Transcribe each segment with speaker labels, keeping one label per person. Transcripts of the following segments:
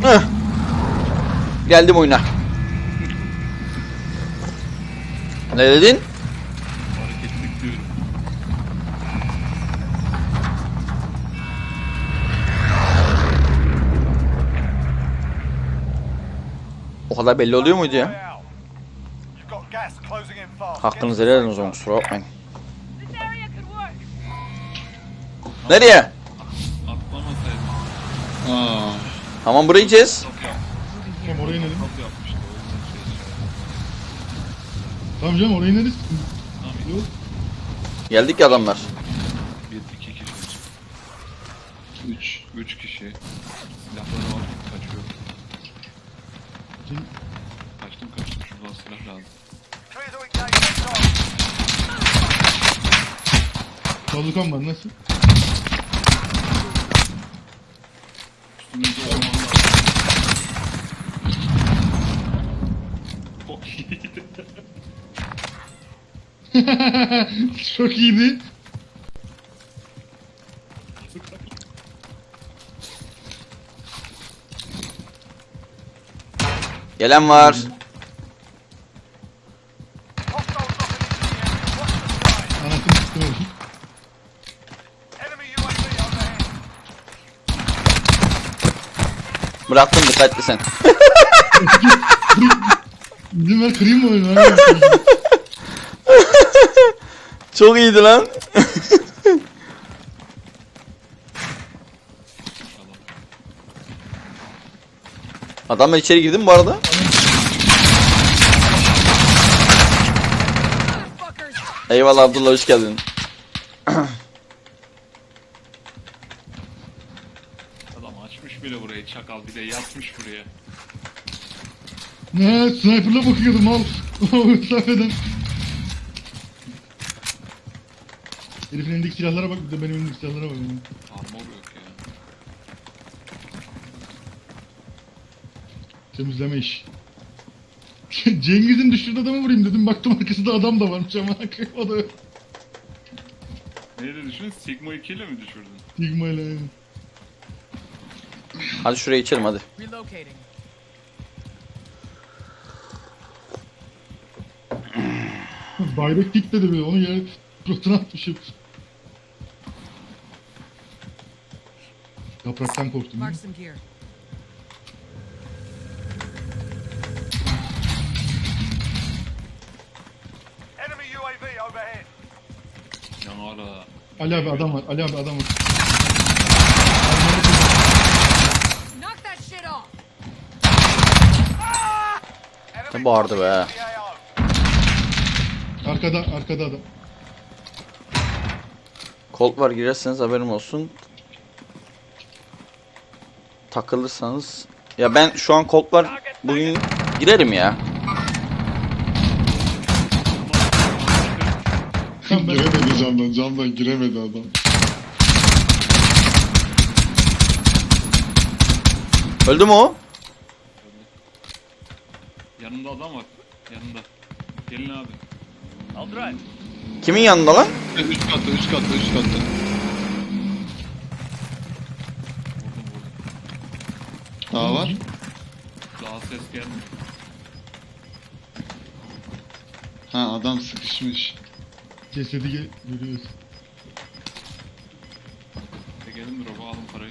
Speaker 1: Hıh. Geldim oyuna. Ne dedin?
Speaker 2: Hareketlik diyorum.
Speaker 1: O kadar belli oluyor muydu ya? Hakkınızı helal edin o zaman, kusura bakmayın. Nereye?
Speaker 2: Atlamasaydın.
Speaker 1: Tamam, burayı yiyeceğiz.
Speaker 3: Tamam oraya inelim.
Speaker 2: Top yapmıştı o yüzden şey.
Speaker 3: Tamam canım oraya ineriz.
Speaker 2: Tamam.
Speaker 3: Yok.
Speaker 1: Geldik ya adamlar.
Speaker 2: 1-2 kişi. 3 kişi. Silahları var. Kaçıyor. Kaçtım. Şuradan silah lazım.
Speaker 3: Bazukan var nasıl?
Speaker 2: Üstümüzde orman var. Çok iyiydi.
Speaker 3: Çok iyiydi.
Speaker 1: Gelen var.
Speaker 3: Anasını sıktım oğlum.
Speaker 1: Bıraktım, dikkatli sen.
Speaker 3: İzin ver kırayım mı oyunu?
Speaker 1: Çok iyiydi lan. Adamlar içeri girdi mi bu arada? Eyvallah Abdullah, hoş geldin.
Speaker 2: Adam açmış bile burayı çakal, bir de yatmış buraya.
Speaker 3: Ne? Sniper'la bakıyordum al. O mesafeden. Herifin elindeki silahlara bak, bir de benim elimdeki silahlara bak.
Speaker 2: Armor yok ya.
Speaker 3: Temizleme iş. Cengiz'in düşürdüğü adamı vurayım dedim, baktım arkasında adam da varmış ama o da
Speaker 2: Neyle düşün? Sigma 2 ile mi düşürdün?
Speaker 3: Sigma ile.
Speaker 1: Hadi şuraya içelim hadi.
Speaker 4: Relocating.
Speaker 3: Bayrak dik dedi böyle, onu yere suratına atmışım. Yapraktan korktum.
Speaker 4: Mark some gear.
Speaker 2: Ya hala.
Speaker 3: Ali abi adam var, Ali abi adam var.
Speaker 4: Knock that shit off.
Speaker 1: Ne bağırdı be.
Speaker 3: Arkada adam.
Speaker 1: Colt var, girerseniz haberim olsun. Takılırsanız. Ya ben şu an Colt var, bugün girerim ya.
Speaker 5: Giremedi camdan giremedi adam.
Speaker 1: Öldü mü o?
Speaker 2: Yanında adam var. Yanında. Gelin abi.
Speaker 1: Kimin yanında lan?
Speaker 5: Üst katta.
Speaker 2: Vurdum.
Speaker 5: Daha var.
Speaker 2: Daha ses gelmiyor.
Speaker 5: Ha adam sıkışmış.
Speaker 3: Cesedi görüyoruz.
Speaker 2: Gelin drop'a alın parayı.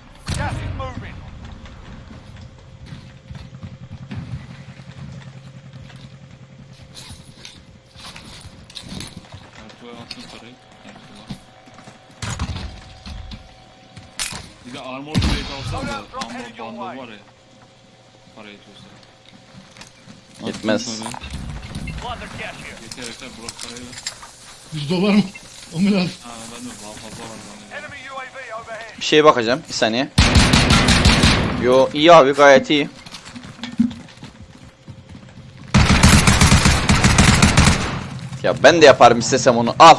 Speaker 2: Ertuğ'a atsın parayı. Ertuğ'a. Bir de armor plate alsam da armor bundle var ya. Para yetiyorsa.
Speaker 1: Yetmez.
Speaker 5: Attım
Speaker 2: Yeter Burak parayı ver.
Speaker 3: 100 dolar mı? O mu lazım?
Speaker 2: Ha ben de daha fazla var zannediyorum.
Speaker 1: Bir şeye bakacağım, bir saniye. Yo, iyi abi, gayet iyi. Ya ben de yaparım istesem onu, al.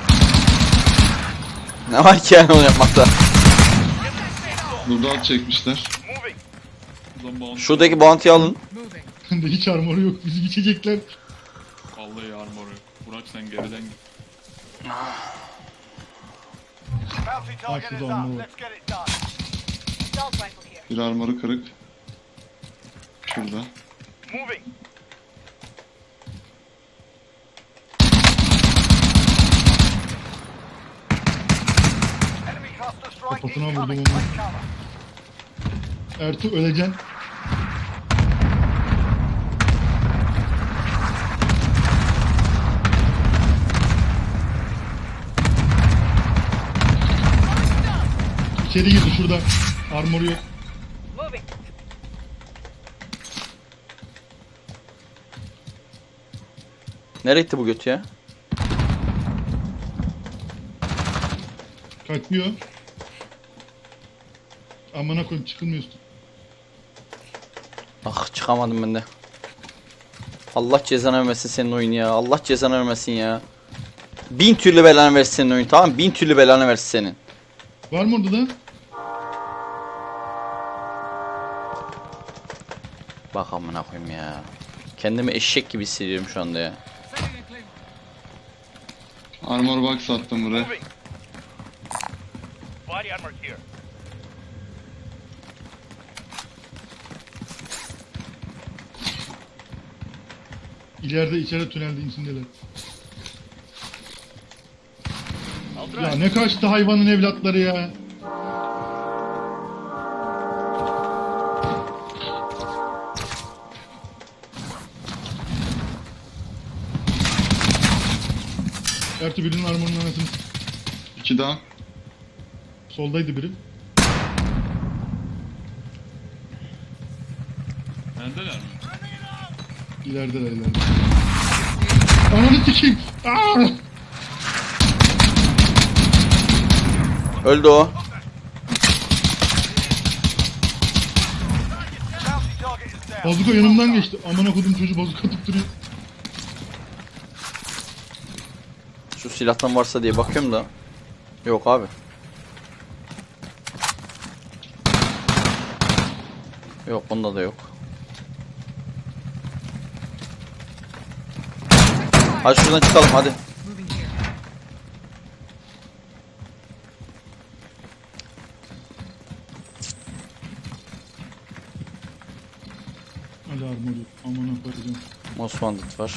Speaker 1: Ne var ki yani onu yapmakta?
Speaker 5: Burada alt çekmişler.
Speaker 2: Buradan bounty.
Speaker 1: Şuradaki bounty'yi alın.
Speaker 4: Moving.
Speaker 3: Bende hiç armoru yok, bizi geçecekler.
Speaker 2: Vallahi armor yok. Burak sen geriden git.
Speaker 4: Assault rifle here.
Speaker 5: Bir armoru kırık.
Speaker 4: Knock that shit off.
Speaker 3: Karşıda armor var.
Speaker 4: Knock that shit off.
Speaker 5: Tamam.
Speaker 4: Knock that shit off.
Speaker 5: Şurada.
Speaker 6: Moving. Enemy cluster strike
Speaker 3: Kafasına vurdum
Speaker 6: incoming.
Speaker 3: onu.
Speaker 6: Take cover.
Speaker 3: Ertuğ öleceksin. İçeri girdi şurada. Armoru yok.
Speaker 4: Moving.
Speaker 1: Nereye gitti bu göt ya?
Speaker 3: Kaçıyor. Amına koyayım çıkılmıyorsun.
Speaker 1: Ah çıkamadım ben de. Allah cezanı vermesin senin oyun ya. Allah cezanı vermesin ya. 1000 türlü belanı versin senin oyun, tamam mı? 1000 türlü belanı versin senin.
Speaker 3: Var mı orada da?
Speaker 1: Bak amına koyayım ya. Kendimi eşek gibi hissediyorum şu anda ya.
Speaker 4: Sending a clean.
Speaker 5: Armor box attım buraya.
Speaker 6: Moving. Body armor here.
Speaker 3: İleride içeride tünelde içindeler.
Speaker 6: I'll
Speaker 3: Ya
Speaker 6: drive.
Speaker 3: ne kaçtı hayvanın evlatları ya. Ertuğ birinin armorunun anasını s-
Speaker 5: 2 daha.
Speaker 3: soldaydı biri.
Speaker 2: Bendeler mi?
Speaker 3: İlerideler ileride. Ananı sikeyim. Aa!
Speaker 1: Öldü o.
Speaker 6: Bounty target is down.
Speaker 3: Bazuka yanımdan geçti. Amına kodum çocuğu bazuka atıp duruyor.
Speaker 1: Şu silahtan varsa diye bakıyorum da. Yok abi. Yok bunda da yok. Hadi şuradan çıkalım hadi.
Speaker 4: Moving here.
Speaker 3: Hadi armor yok. Amına koyacağım.
Speaker 1: Most Wanted var.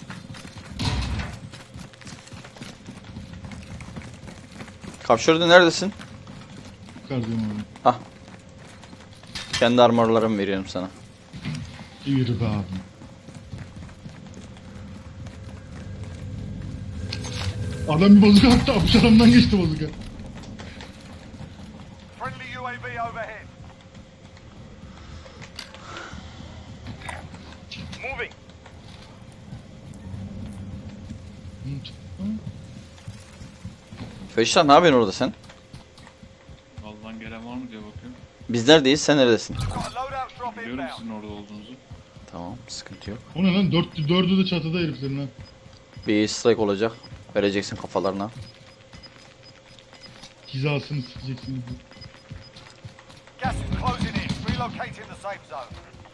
Speaker 1: Kapşörde neredesin?
Speaker 3: Yukarıdayım abi.
Speaker 1: Hah. Kendi armorlarımı veriyorum sana.
Speaker 3: Yürü be abi. Adam bir bazuka attı. Apış adamdan geçti bazuka.
Speaker 6: Friendly UAV overhead. Moving.
Speaker 3: Hı, çıktı.
Speaker 1: Feşan ne yapıyorsun orada sen?
Speaker 2: Allah'tan gelen var mı diye bakıyorum.
Speaker 1: Biz neredeyiz, sen neredesin?
Speaker 6: Got a loadout drop
Speaker 2: Biliyorum
Speaker 6: inbound.
Speaker 2: sizin orada olduğunuzu.
Speaker 1: Tamam, sıkıntı yok.
Speaker 3: O ne lan? Dördü de çatıda heriflerin ha.
Speaker 1: Bir strike olacak. Vereceksin kafalarına.
Speaker 3: Hizasını sikeceksiniz.
Speaker 6: Gas is closing in. Relocating the safe zone.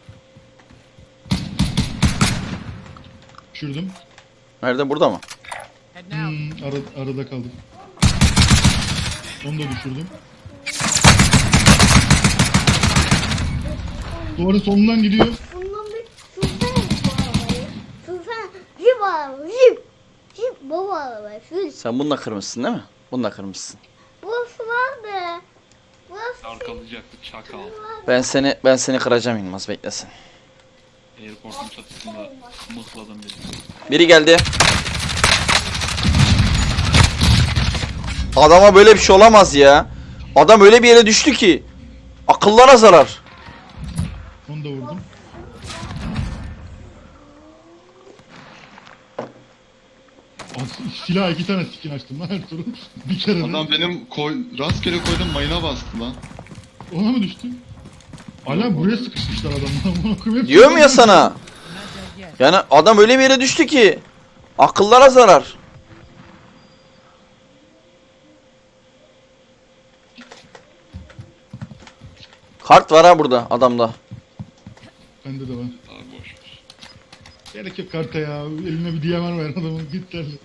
Speaker 3: Düşürdüm.
Speaker 1: Nerede, burada mı?
Speaker 4: Heading out.
Speaker 3: Arada kaldım. Onu da düşürdüm. Duvarın sonundan gidiyor.
Speaker 7: Bundan bir sürsene bu arabayı. Sürsene. Jip araba. Jip. Jip baba araba. Sür.
Speaker 1: Sen bununla kırmışsın değil mi? Bununla kırmışsın.
Speaker 7: Burası vardı. Burası
Speaker 2: Arkalayacaktı çakal.
Speaker 1: Ben seni kıracağım Yılmaz, beklesin.
Speaker 2: Airport'un çatısında mıhladım beni.
Speaker 1: Biri geldi. Adama böyle bir şey olamaz ya. Adam öyle bir yere düştü ki. Akıllara zarar.
Speaker 3: Onu da vurdum. Silah 2 tane skin açtım lan Ertuğrul. Bir kere de.
Speaker 5: Adam benim rastgele koydum mayına bastı lan.
Speaker 3: Ona mı düştü? Hala buraya sıkışmışlar adamlar.
Speaker 1: Diyorum ya sana.
Speaker 4: Not dead yet.
Speaker 1: Yani adam öyle bir yere düştü ki. Akıllara zarar. Kart var ha burada adamda.
Speaker 3: Bende de var.
Speaker 2: Abi boş ver.
Speaker 3: Gerek yok karta ya. Eline bir DMR ver adamın. Git derli.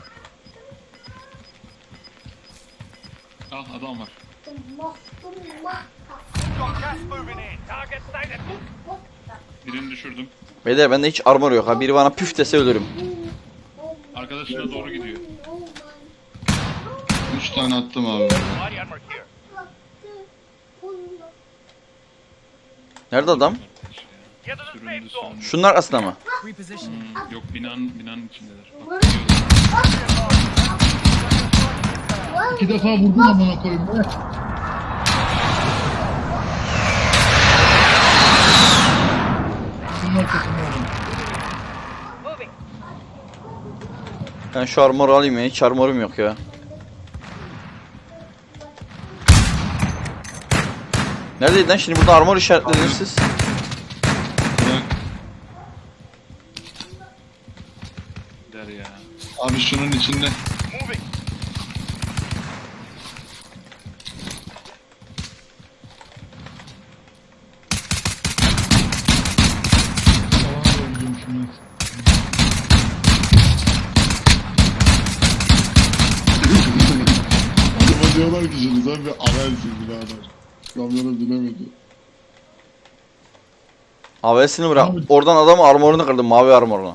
Speaker 2: Ah adam var.
Speaker 6: Got gas moving in. Target stated.
Speaker 2: Birini düşürdüm.
Speaker 1: Beyler bende hiç armor yok ha. Biri bana püf dese ölürüm.
Speaker 2: Arkadaşına doğru gidiyor.
Speaker 5: 3 tane attım abi.
Speaker 6: Body armor here.
Speaker 1: Nerede adam?
Speaker 6: Get to the safe
Speaker 2: Süründü
Speaker 6: zone.
Speaker 2: süründü.
Speaker 1: Şunun arkasında mı?
Speaker 4: Repositioning.
Speaker 2: Yok binanın içindeler. Bak, gidiyorlar.
Speaker 3: 2 defa vurdum amına koyayım be. Şunun arkasında adam.
Speaker 4: Moving.
Speaker 1: Ben şu armoru alayım ya. Hiç armorum yok ya. Neredeydi lan? Şimdi burada armor işaretlediniz siz.
Speaker 5: Bırak.
Speaker 2: Der ya.
Speaker 5: Abi şunun içinde.
Speaker 6: Moving.
Speaker 3: Salana doğru gidiyormuşum ben.
Speaker 5: Adama diyorlar ki şimdi sen bir avelsin birader. Kamyona binemedi.
Speaker 1: AWS'ini bırak.
Speaker 3: Abi.
Speaker 1: Oradan adamın armorunu kırdım. Mavi armorunu.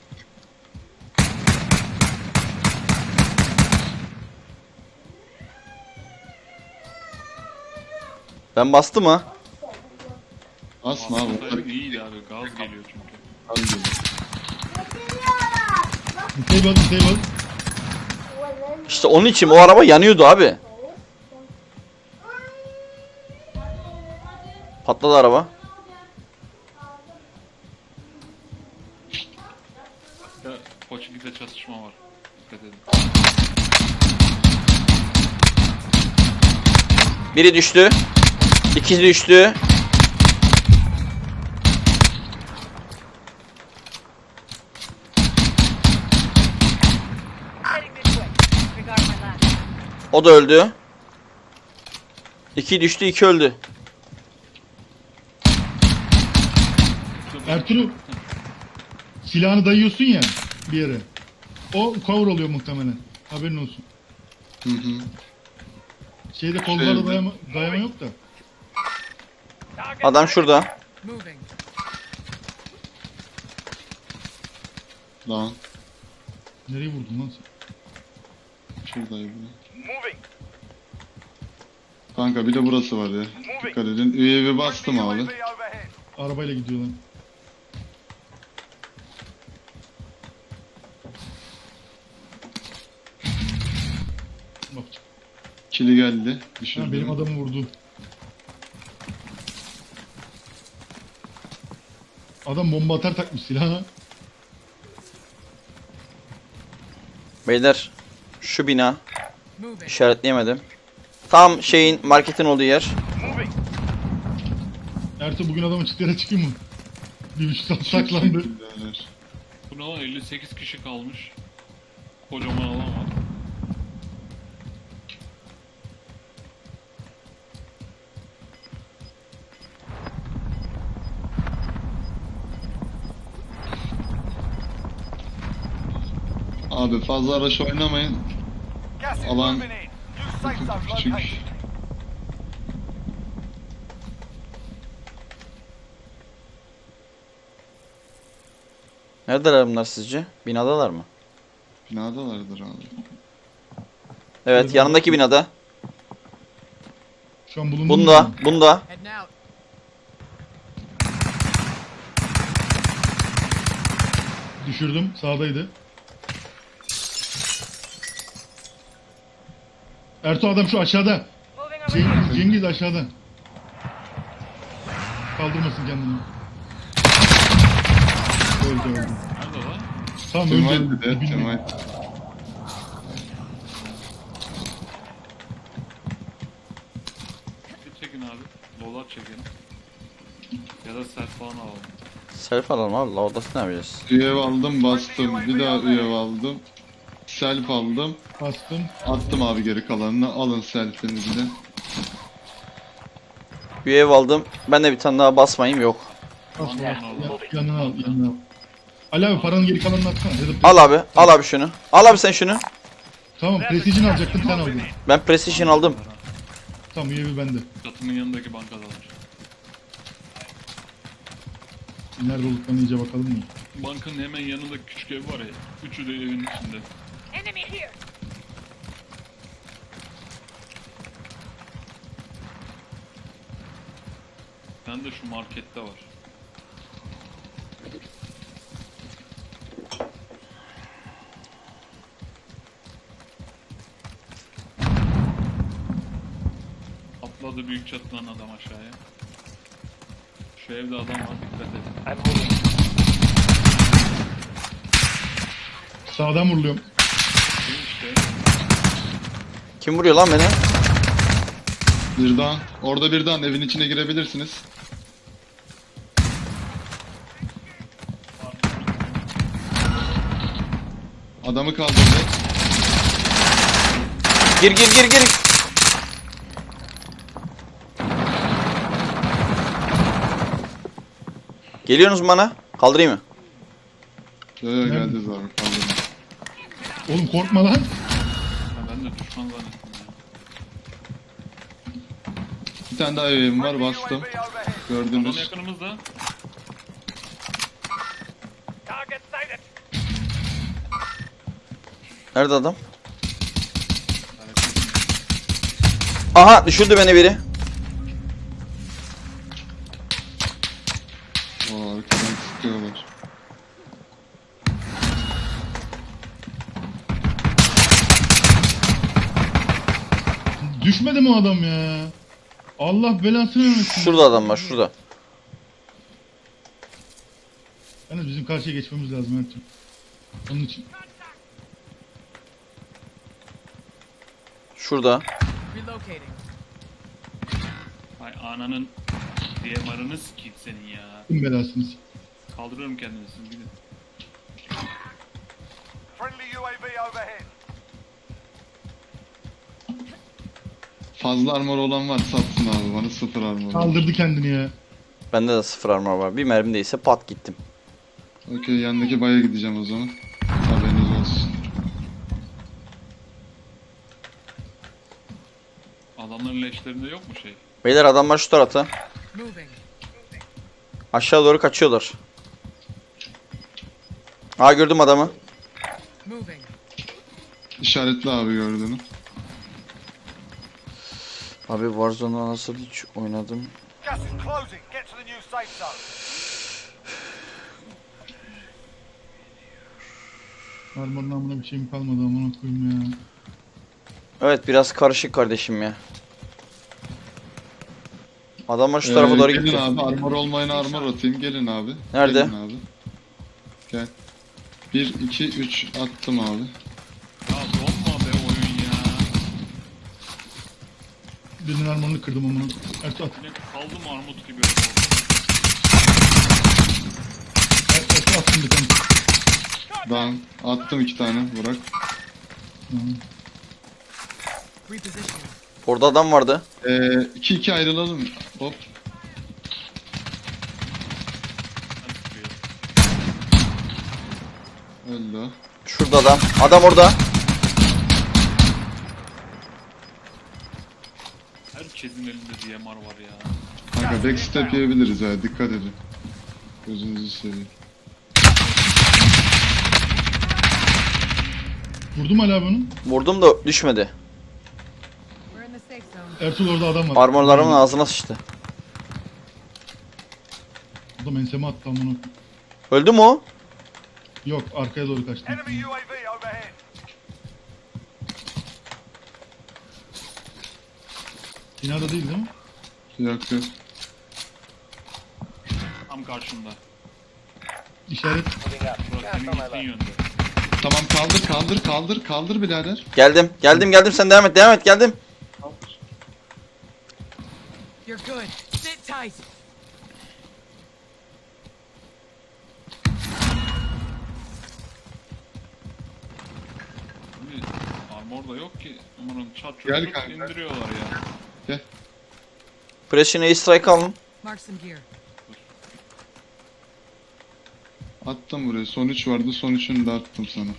Speaker 1: Ben bastım ha.
Speaker 5: Asma abi.
Speaker 2: Aslında iyiydi abi. Gaz geliyor çünkü.
Speaker 5: Hadi gidelim.
Speaker 3: Disable.
Speaker 1: İşte onun için o araba yanıyordu abi. Patladı araba.
Speaker 2: Ya Koçik'te çatışma var. Dikkat edin.
Speaker 1: Biri düştü. İkisi düştü.
Speaker 4: Heading this way. Regard my last.
Speaker 1: O da öldü. İki düştü, iki öldü.
Speaker 3: Ertuğrul. Silahını dayıyorsun ya bir yere. O cover oluyor muhtemelen. Haberin olsun.
Speaker 5: Hı hı.
Speaker 3: Şeyde kollarda
Speaker 5: Şeyde.
Speaker 3: dayama yok da.
Speaker 1: Adam şurada.
Speaker 4: Moving.
Speaker 5: Lan.
Speaker 3: Nereye vurdun lan sen?
Speaker 5: Şuradaydı.
Speaker 6: Moving.
Speaker 5: Kanka bir de burası var ya. Dikkat edin. UAV bastım abi.
Speaker 6: UAV overhead.
Speaker 3: Arabayla gidiyor lan. Bak.
Speaker 5: Kili geldi.
Speaker 3: Ha,
Speaker 5: Düşürdüm.
Speaker 3: benim adamı vurdu. Adam bomba atar takmış silahına.
Speaker 1: Beyler şu bina.
Speaker 4: Moving.
Speaker 1: İşaretleyemedim. Tam şeyin marketin olduğu yer.
Speaker 6: Moving.
Speaker 3: Ertuğ bugün adamın çıktığı çıkıyor mu? 1,5 saat saklandı.
Speaker 5: Birader.
Speaker 2: Bu ne lan 58 kişi kalmış. Kocaman alan var.
Speaker 5: Abi fazla araç oynamayın.
Speaker 6: Gas is
Speaker 5: Alan-
Speaker 6: moving in. New safe zone
Speaker 5: Küçük.
Speaker 6: located.
Speaker 1: Neredeler bunlar sizce? Binadalar mı?
Speaker 5: Binadalardır abi.
Speaker 1: Evet, yanındaki binada.
Speaker 3: Şu an bulunduğum
Speaker 1: Bunda,
Speaker 3: yer mi?
Speaker 1: bunda.
Speaker 4: Heading out.
Speaker 3: Düşürdüm. Sağdaydı. Ertuğ adam şu aşağıda.
Speaker 4: Moving over here.
Speaker 3: Cengiz aşağıda. Kaldırmasın kendini. Öldü.
Speaker 2: Nerede lan?
Speaker 3: Tamam
Speaker 5: Kemal
Speaker 3: öldü.
Speaker 5: bir de.
Speaker 3: Dibinde.
Speaker 5: Kemal.
Speaker 2: Bir çekin abi. Loadout çekin. Ya da set falan alalım.
Speaker 1: Selfie alalım abi. La odası ne yapacağız?
Speaker 5: UAV aldım bastım. Bir daha UAV aldım. Self aldım.
Speaker 3: Bastım.
Speaker 5: Attım abi geri kalanını. Alın selfinizi de.
Speaker 1: Bir ev aldım. Ben de bir tane daha basmayayım yok.
Speaker 3: Bas
Speaker 2: Tamam,
Speaker 3: bas.
Speaker 2: tamam.
Speaker 3: Yanına al. Yanına al. Ali abi paranın geri kalanını atsana. Ya da
Speaker 1: Al abi. Al abi şunu. Al abi sen şunu.
Speaker 3: Tamam Precision alacaktım sen aldın.
Speaker 1: Ben Precision aldım.
Speaker 3: Tamam UAV bende.
Speaker 2: Çatının yanındaki bankadalar.
Speaker 3: Nerede olduklarına iyice bakalım mı?
Speaker 2: Bankanın hemen yanında küçük ev var ya. Üçü de evin içinde.
Speaker 4: Enemy here.
Speaker 2: Ben de şu markette var. Atladı büyük çatıdan adam aşağıya. Şu evde adam var, dikkat edin.
Speaker 3: Sağdan vuruluyorum.
Speaker 2: Şu işte.
Speaker 1: Kim vuruyor lan beni?
Speaker 5: Bir daha. Orada bir daha evin içine girebilirsiniz. Adamı kaldırdı.
Speaker 1: Gir gir gir gir. Geliyorsunuz mu bana? Kaldırayım mı?
Speaker 5: Yo yo geldi zaten kaldırdı.
Speaker 3: Oğlum korkma lan.
Speaker 2: Ha, ben de düşman zannettim ya.
Speaker 5: Bir tane daha evim var bastım.
Speaker 6: UAV overhead.
Speaker 2: Adam
Speaker 5: Gördünüz.
Speaker 2: yakınımızda.
Speaker 6: Target sighted.
Speaker 1: Nerede adam? Aha düşürdü beni biri.
Speaker 5: Oo arkadan sıkıyorlar.
Speaker 3: Düşmedi mi o adam ya? Allah belasını vermesin.
Speaker 1: Şurada adam var şurada.
Speaker 3: Yalnız bizim karşıya geçmemiz lazım her türlü. Onun için.
Speaker 1: Şurada.
Speaker 4: Relocating.
Speaker 2: Ay ananın DMR'ını sikeyim senin ya.
Speaker 3: Kim belasınız?
Speaker 2: Kaldırıyorum kendimi siz gidin.
Speaker 6: Friendly UAV overhead.
Speaker 5: Fazla armor olan var satsın abi bana 0 armor.
Speaker 3: Kaldırdı kendini ya.
Speaker 1: Bende de 0 armor var. Bir mermi değilse pat gittim.
Speaker 5: Okey yandaki baya gideceğim o zaman. Haberiniz olsun.
Speaker 2: Adamların leşlerinde yok mu şey?
Speaker 1: Beyler adamlar şu tarafta.
Speaker 4: Moving.
Speaker 1: Aşağı doğru kaçıyorlar. Aa gördüm adamı.
Speaker 4: Moving.
Speaker 5: İşaretli abi gördüğünü.
Speaker 1: Abi Warzone'u nasıl hiç oynadım.
Speaker 6: Gas is closing. Get to the new safe zone.
Speaker 3: Armorun amına bir şeyim kalmadı amına koyayım ya.
Speaker 1: Evet biraz karışık kardeşim ya. Adamlar şu tarafa doğru
Speaker 5: gelin
Speaker 1: gitti.
Speaker 5: abi armor olmayana armor atayım gelin abi.
Speaker 1: Nerede?
Speaker 5: Gelin abi. Gel. 1, 2, 3 attım abi.
Speaker 2: Ya donma be oyun ya.
Speaker 3: Birinin armorunu kırdım amına. Ertuğ at.
Speaker 2: Yine kaldım armut gibi orada.
Speaker 3: Ertuğ atsın bir tane.
Speaker 5: Ben attım 2 tane Burak.
Speaker 3: Tamam.
Speaker 4: Repositioning.
Speaker 1: Orada adam vardı.
Speaker 5: 2-2 ayrılalım. Hop.
Speaker 2: Ben sıkıyorum.
Speaker 5: Öldü o.
Speaker 1: Şurada adam. Adam orada.
Speaker 2: Herkesin elinde DMR var ya.
Speaker 5: Kanka backstep yiyebiliriz ya dikkat edin. Gözünüzü seveyim.
Speaker 3: Vurdum hala bunu.
Speaker 1: Vurdum da düşmedi.
Speaker 4: We're in the safe zone.
Speaker 3: Ertuğ orada adam var.
Speaker 1: Armorlarımın ağzına sıçtı.
Speaker 3: Adam enseme attı amına.
Speaker 1: Öldü mü o?
Speaker 3: Yok arkaya doğru kaçtı.
Speaker 6: Enemy UAV overhead.
Speaker 3: Binada değil değil mi?
Speaker 5: Yok yok.
Speaker 2: Tam karşımda.
Speaker 3: İşaret.
Speaker 2: Burası senin gittiğin yönde.
Speaker 5: Tamam kaldır birader.
Speaker 1: Geldim. Geldim sen devam et geldim.
Speaker 4: You're good. Sit tight.
Speaker 2: Şimdi armor da yok ki. Umarım çat
Speaker 5: Gel
Speaker 2: çut
Speaker 5: kanka.
Speaker 2: indiriyorlar ya.
Speaker 1: Press'in A-Strike alın.
Speaker 4: Mark some gear.
Speaker 5: Attım buraya. Son 3 vardı. Son 3'ünü de attım sana.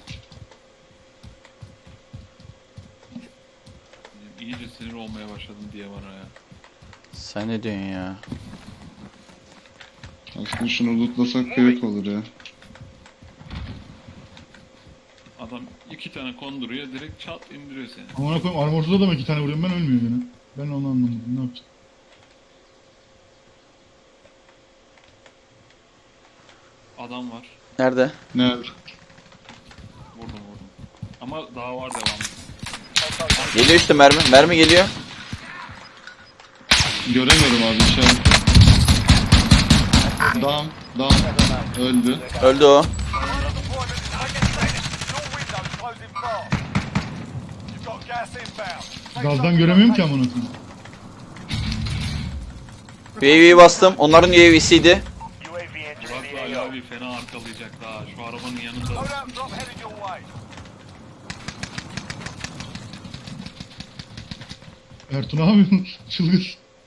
Speaker 2: İyice sinir olmaya başladım diye bana ya.
Speaker 1: Sen ne diyorsun ya?
Speaker 5: Aslında şunu lootlasak kıyak olur ya.
Speaker 2: Adam 2 tane konduruyor direkt çat indiriyor seni.
Speaker 3: Amına koyayım armorsuz adama 2 tane vuruyorum ben ölmüyor gene. Ben onu anlamadım. Ne yapacağım?
Speaker 2: Adam var.
Speaker 1: Nerede?
Speaker 5: Nerede?
Speaker 2: Vurdum. Ama daha var devamlı.
Speaker 1: Geliyor işte mermi. Mermi geliyor.
Speaker 5: Göremiyorum abi işaret. Dam. Öldü.
Speaker 1: Öldü o.
Speaker 6: Deployment is taking place. Your window's closing fast. You've got gas inbound. Take
Speaker 3: Gazdan
Speaker 6: some
Speaker 3: göremiyorum ki
Speaker 6: location.
Speaker 3: amına koyayım.
Speaker 1: UAV'yi bastım. Onların UAV'siydi.
Speaker 2: Burak'la Ali abi fena arkalayacak daha. Şu arabanın yanında.
Speaker 6: Loadout drop headed your way.
Speaker 3: Ertuğ ne yapıyorsun? Çılgız.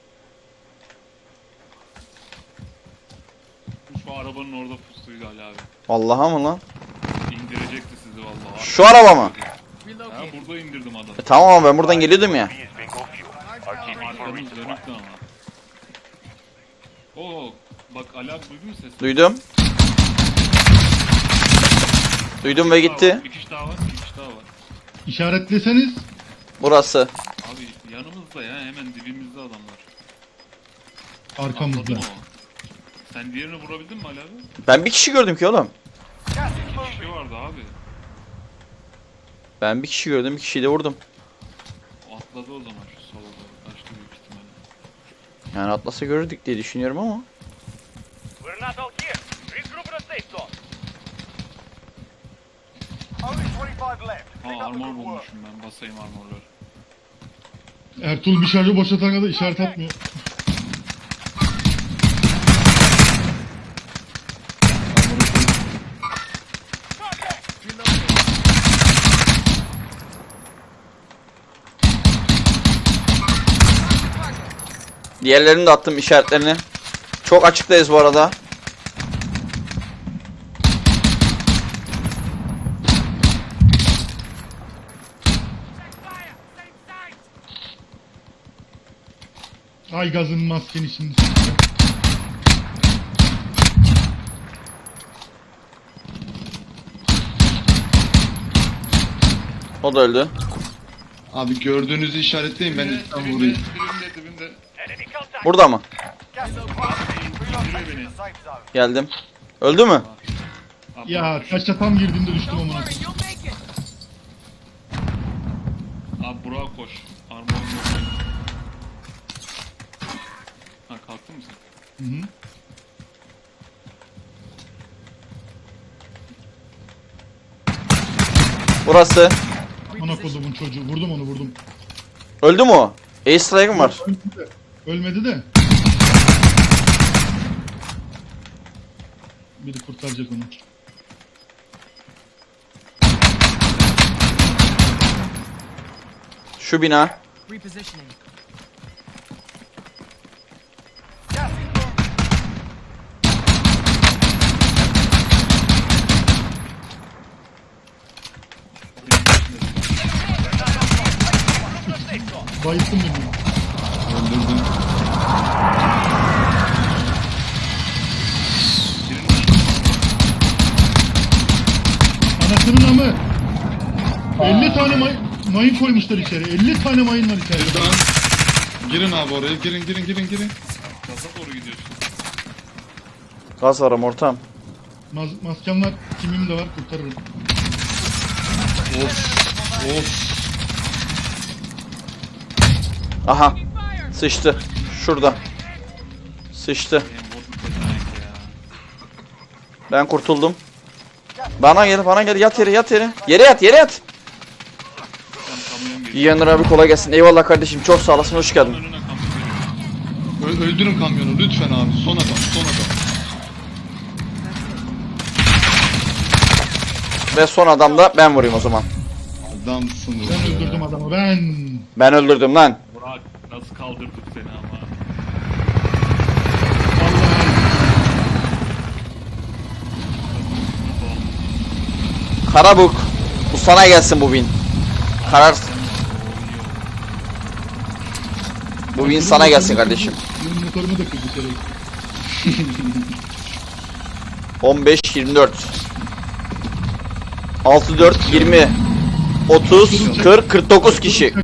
Speaker 2: Şu arabanın orada pustuydu Ali abi.
Speaker 1: Vallahi mı lan?
Speaker 2: İndirecekti sizi vallahi.
Speaker 1: Şu araba mı?
Speaker 2: Ha
Speaker 4: Relocate.
Speaker 2: burada indirdim adamı.
Speaker 1: Tamam ama ben buradan geliyordum ya.
Speaker 2: Arkamız dönüktü ama. Oo bak Ali abi duydun mu sesini?
Speaker 1: Duydum. Duydum ve gitti.
Speaker 2: Bir kişi daha var.
Speaker 3: İşaretleseniz
Speaker 1: Burası.
Speaker 2: Abi yanımızda ya hemen dibimizde adamlar.
Speaker 3: arkamızda.
Speaker 2: Atladı mı o? Sen diğerini vurabildin mi Ali abi?
Speaker 1: Ben bir kişi gördüm ki oğlum.
Speaker 6: Gas is
Speaker 2: Bir
Speaker 6: moving.
Speaker 2: kişi vardı abi.
Speaker 1: Ben bir kişi gördüm. Bir kişiyi de vurdum.
Speaker 2: O atladı o zaman şu sola doğru. Kaçtı büyük ihtimalle.
Speaker 1: Yani atlasa görürdük diye düşünüyorum ama.
Speaker 6: We're not out here. Regroup in a safe zone. Only 25 left.
Speaker 2: Ha
Speaker 6: Pick up the
Speaker 2: armor
Speaker 6: good work.
Speaker 2: bulmuşum ben. Basayım armorları.
Speaker 3: Ertuğrul bir şarjı boşaltana kadar işaret atmıyor.
Speaker 1: Diğerlerini de attım işaretlerini. Çok açıktayız bu arada.
Speaker 3: Ay gazın maskenin içinde.
Speaker 1: O da öldü.
Speaker 5: Abi gördüğünüzü işaretleyin ben üstten vurayım.
Speaker 2: Dibimde.
Speaker 6: Enemy contact.
Speaker 1: Burada mı?
Speaker 6: Gas is closing in. Relocating the safe zone.
Speaker 1: Geldim. Öldü mü?
Speaker 2: Abi,
Speaker 3: Ya taşla tam girdiğimde düştüm
Speaker 4: Don't
Speaker 3: amına
Speaker 4: worry,
Speaker 3: koyayım.
Speaker 4: you'll make it.
Speaker 2: Abi Burak'a koş. Armor'un yok. Ha kalktın mı sen?
Speaker 3: Hı hı.
Speaker 1: Burası.
Speaker 3: Ana kodumun çocuğu. Vurdum onu vurdum.
Speaker 1: Öldü mü o? Ace strike'ım var.
Speaker 3: Ölmedi de. Ölmedi de. Biri kurtaracak onu.
Speaker 1: Şu bina.
Speaker 4: Repositioning.
Speaker 6: Gas is moving.
Speaker 3: Bayılttım beni.
Speaker 5: Öldürdüm.
Speaker 3: Anasının amı. 50 tane mayın koymuşlar içeri. 50 tane mayın var içeride.
Speaker 5: Buradan. Girin abi oraya. Girin.
Speaker 2: Gaza doğru gidiyorsun.
Speaker 1: Gaz var ama ortam.
Speaker 3: Maskem var. Kimim de var. Kurtarırım.
Speaker 5: Of.
Speaker 1: Aha. Sıçtı. Şurada. Sıçtı.
Speaker 2: Benim vurduk pezevenk ya.
Speaker 1: Ben kurtuldum. Bana gel yat yere. Yere yat.
Speaker 2: Sen kamyon geliyor.
Speaker 1: Yiyenler abi kolay gelsin. Eyvallah kardeşim. Çok sağ olasın. Hoş geldin.
Speaker 2: Önüne kamyon geliyor.
Speaker 5: Öldürün kamyonu lütfen abi. Son adam.
Speaker 1: Ve son adam da ben vurayım o zaman.
Speaker 5: Adamsınız
Speaker 3: Ben
Speaker 5: ya.
Speaker 3: öldürdüm adamı. Ben.
Speaker 1: Ben öldürdüm lan.
Speaker 2: Burak nasıl kaldırdık seni ama.
Speaker 3: Vallahi.
Speaker 1: Karabuk. Bu sana gelsin bu win. Karar. Bu win sana gelsin kardeşim.
Speaker 3: Benim motorumu da kırdı içeri.
Speaker 1: 15, 24. 6, 4, 20. 30, 40, 49 kişi.